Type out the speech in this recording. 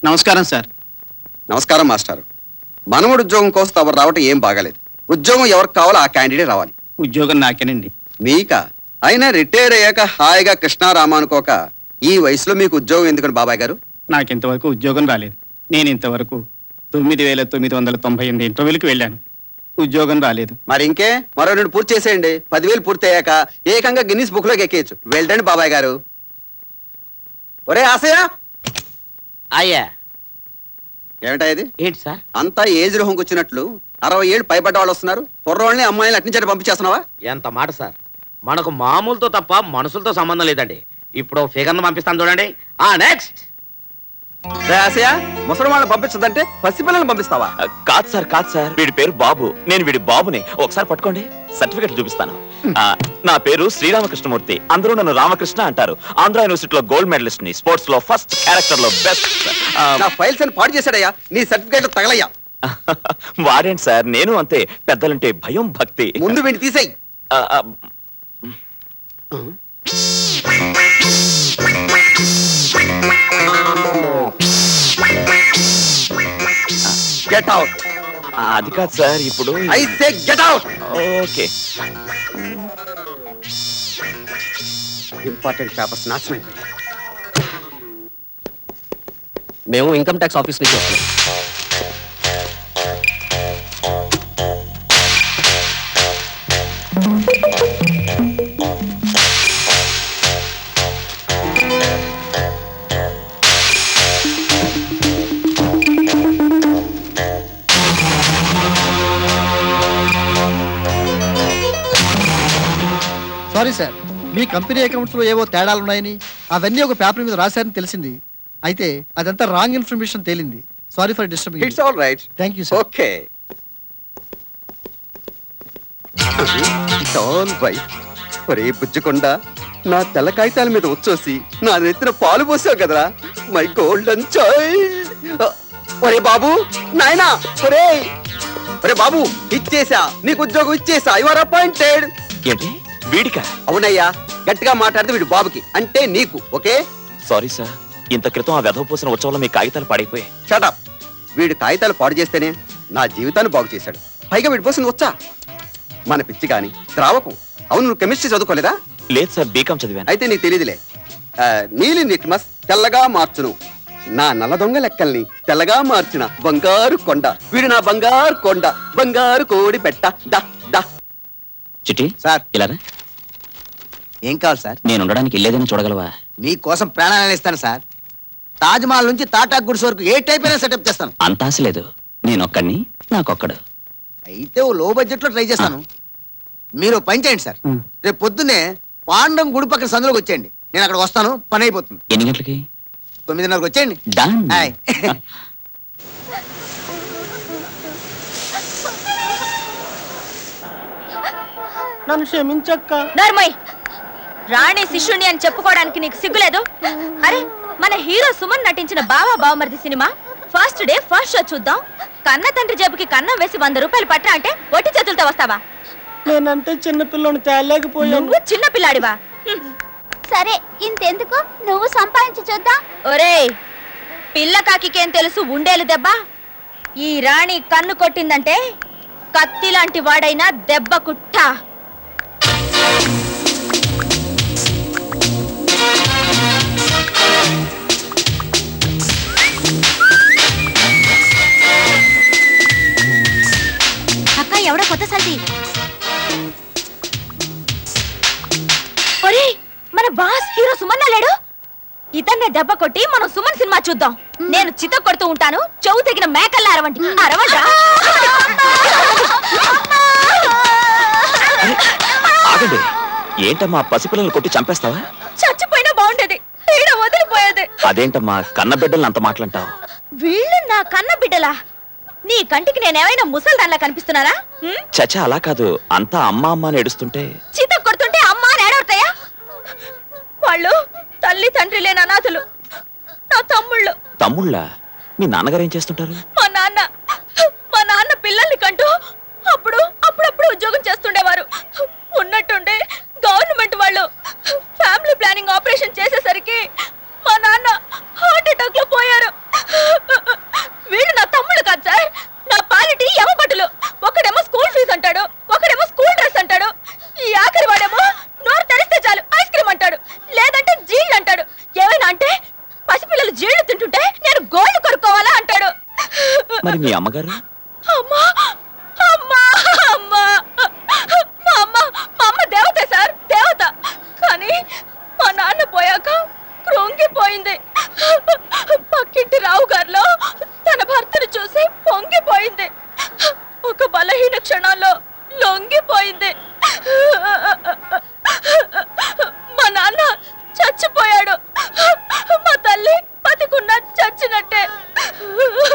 నమస్కారం సార్. నమస్కారం మాస్టర్. మనవడు ఉద్యోగం కోసం ఎవరు రావటం ఏం బాగాలేదు. ఉద్యోగం ఎవరికి కావాలో ఆ క్యాండిడేట్ రావాలి. ఉద్యోగం నాకేనండి. మీకా? అయినా రిటైర్ అయ్యాక హాయిగా కృష్ణారామ అనుకోక ఈ వయసులో మీకు ఉద్యోగం ఎందుకని బాబాయ్ గారు? నాకింతవరకు ఉద్యోగం రాలేదు. నేను ఇంతవరకు 9,998 ఇంటర్వ్యూలకు వెళ్ళాను. ఉద్యోగం రాలేదు. మరి ఇంకే మరో 2 పూర్తి చేసేయండి. 10,000 పూర్తి అయ్యాక ఏకంగా గిన్నిస్ బుక్ లోకి ఎక్కేయచ్చు. వెళ్ళండి బాబాయ్ గారు. ఒరే ఆశయ, అయ్యా ఏమిటా ఇది? ఏంటి సార్? అంతా ఏజ్ రోహంకి వచ్చినట్లు 60 ఏళ్ళు పైబడ్డ వాళ్ళు వస్తున్నారు. కుర్రవాళ్ళని అమ్మాయిని అట్నుంచి పంపించేస్తున్నావా? ఎంత మాట సార్, మనకు మామూలుతో తప్ప మనుషులతో సంబంధం లేదండి. ఇప్పుడు ఫిగర్ను పంపిస్తాను చూడండి. నెక్స్ట్. ఆశయ, ముసలి వాళ్ళని పంపించదంటే పసిపిల్లల్ని పంపిస్తావా? కాదు సార్, వీడి పేరు బాబు. నేను వీడి బాబుని. ఒకసారి పట్టుకోండి, సర్టిఫికెట్ చూపిస్తాను. నా పేరు శ్రీరామకృష్ణమూర్తి. అందరూ నన్ను రామకృష్ణ అంటారు. ఆంధ్ర యూనివర్సిటీలో గోల్డ్ మెడలిస్ట్ ని, స్పోర్ట్స్ లో ఫస్ట్, క్యారెక్టర్ లో బెస్ట్. నా ఫైల్స్ అని పాడు చేశాడయ్యా. నీ సర్టిఫికెట్లు తగలయ్యా. వాడేంటి సార్, నేను అంతే. పెద్దలంటే భయం, భక్తి. ముందు వీడిని తీసేయి. Get out. అది కాదు సార్, ఇప్పుడు I say get out. Okay. Important papers నాశనం అయిపోయాయి. మేము ఇన్కమ్ ట్యాక్స్ ఆఫీస్ నుంచి వస్తున్నాం. సారీ సార్, మీ కంపెనీ అకౌంట్స్ లో ఏవో తేడాలున్నాయని అవన్నీ ఒక పేపర్ మీద రాశారని తెలిసింది. అయితే అదంతా రాంగ్ ఇన్ఫర్మేషన్ తేలింది. Sorry for disturbing. It's all right. Thank you sir. Okay, it's all right. ఒరే బుజ్జకొండ, నా తెల్ల కాగితాల మీద వచ్చేసి నా నెత్తిన పాలు పోసావు కదరా, మై గోల్డెన్ చైల్డ్. ఒరే బాబు, నాయనా, ఒరే ఒరే బాబు, ఇచ్చేసా, నీకు ఉద్యోగం ఇచ్చేసా. You are appointed. ఏంటి వీడికా? అవునయ్యా, గట్టిగా మాట్లాడితే వీడు బాబుకి, అంటే నీకు. ఓకే. సారీ సార్, ఇంత క్రితం ఆ వెధవ పోసిన ఉత్సవంలో మీ కాగితాలు పాడైపోయాయి. షటప్. వీడు కాగితాలు పాడు చేస్తేనే నా జీవితాన్ని బాగు చేశాడు. పైగా వీడి పోసింది వచ్చా మన పిచ్చి గాని ద్రావకం. అవును, నువ్వు కెమిస్ట్రీ చదువుకోలేదా? లేదు సార్, బీకాం చదివాను. అయితే నీకు తెలియదులే. నీలి నిట్మస్ తెల్లగా మార్చును, నా నల్ల దొంగ లెక్కల్ని తెల్లగా మార్చిన బంగారు కొండ. వీడు నా బంగారు కొండ, బంగారు కోడి పెట్ట. దా దా. చిట్టి సార్, ఇలా ఏం కావాలి సార్? నేను ఉండడానికి ఇల్లేదని చూడగలవా? మీకోసం ప్రాణాలను ఇస్తాను సార్. తాజ్ మహల్ నుంచి టాటా గుడ్స్ వరకు ఏ టైప్ అయినా సెటప్ చేస్తాను. అంత ఆశ లేదు, నేనొక్కడిని, నాకొక్కడు. అయితే ఓ లో బడ్జెట్ లో ట్రై చేస్తాను. మీరు పని చేయండి సార్, మ్. రేపు పొద్దున్నే పాండం గుడి పక్కన సందులోకి వచ్చేయండి. నేను అక్కడ వస్తాను, పని అయిపోతుంది. ఎన్ని గంటలకి? 9:30కి వచ్చేయండి. డన్. హాయ్. నన్ను క్షమించక్క. నర్మయ్, రాణి శిష్యుని అని చెప్పుకోవడానికి నీకు సిగ్గులేదు? అరే, మన హీరో సుమన్ నటించిన Bava Bavamaridi cinema first day first show చూద్దాం. కన్న తండ్రి జేబుకి కన్నం వేసి 100 రూపాయలు పట్టా అంటే ఒట్టి చేతులతో వస్తావా? నేనంటే చిన్నపిల్లని తేలేకపోయాను. నువ్వు చిన్న పిల్లాడివా? సరే, ఇంతెందుకు, నువ్వు సంపాదించి చూద్దాం. ఒరేయ్, పిల్ల కాకికేం తెలుసు ఉండేలు దెబ్బ. ఈ రాణి కన్ను కొట్టిందంటే కత్తి లాంటి వాడైనా దెబ్బ కుట్ట. అక్క, ఎవడో కొత్త సల్ది. ఒరేయ్, మన బాస్ హీరో సుమన్ లేడు? ఇతన్నే దెబ్బ కొట్టి మనం సుమన్ సినిమా చూద్దాం. నేను చిత్త కొడుతూ ఉంటాను, చెవు తగిన మేకల్లా అరవండి. అరవండి. ఆగండి, ఏంటమ్మా పసిపిల్లలు కొట్టి చంపేస్తావా? చచ్చిపోయినా బాగుండేది, పీడ వదిలిపోయేది. అదేంటమ్మా కన్న బిడ్డల్ని అంత మాటలంటావు? వీళ్ళు నా కన్న బిడ్డలా? నీ కంటికి నేనేమైనా ముసల్దాన్లా కనిపిస్తున్నానా? చచ్చా, అలా కాదు. అంతా అమ్మ అమ్మ అని ఏడుస్తుంటే చిత్త కొడుతుంటే అమ్మా నేడవుతాయా? వాళ్ళు తల్లి తండ్రి లేని అనాథులు, నా తమ్ముళ్ళు. తమ్ముళ్ళ? మీ నాన్నగారు ఏం చేస్తుంటారు? మా నాన్న పిల్లల్ని కంటూ అప్పుడప్పుడు ఉద్యోగం చేస్తుండేవారు. ఉన్నట్టుండే గవర్నమెంట్ వాళ్ళు ఫ్యామిలీ ప్లానింగ్ ఆపరేషన్ చేసేసరికి మా నాన్న హార్ట్ అటాక్ లో పోయారు. మరి మీ అమ్మగారు? అమ్మా అమ్మా అమ్మా మా అమ్మ దేవత సార్, దేవత. కానీ మా నాన్న పోయాక కృంగిపోయింది. పక్కింటి రావు గారిలో తన భర్తను చూసి పొంగిపోయింది. ఒక బలహీన క్షణాల్లో లొంగిపోయింది.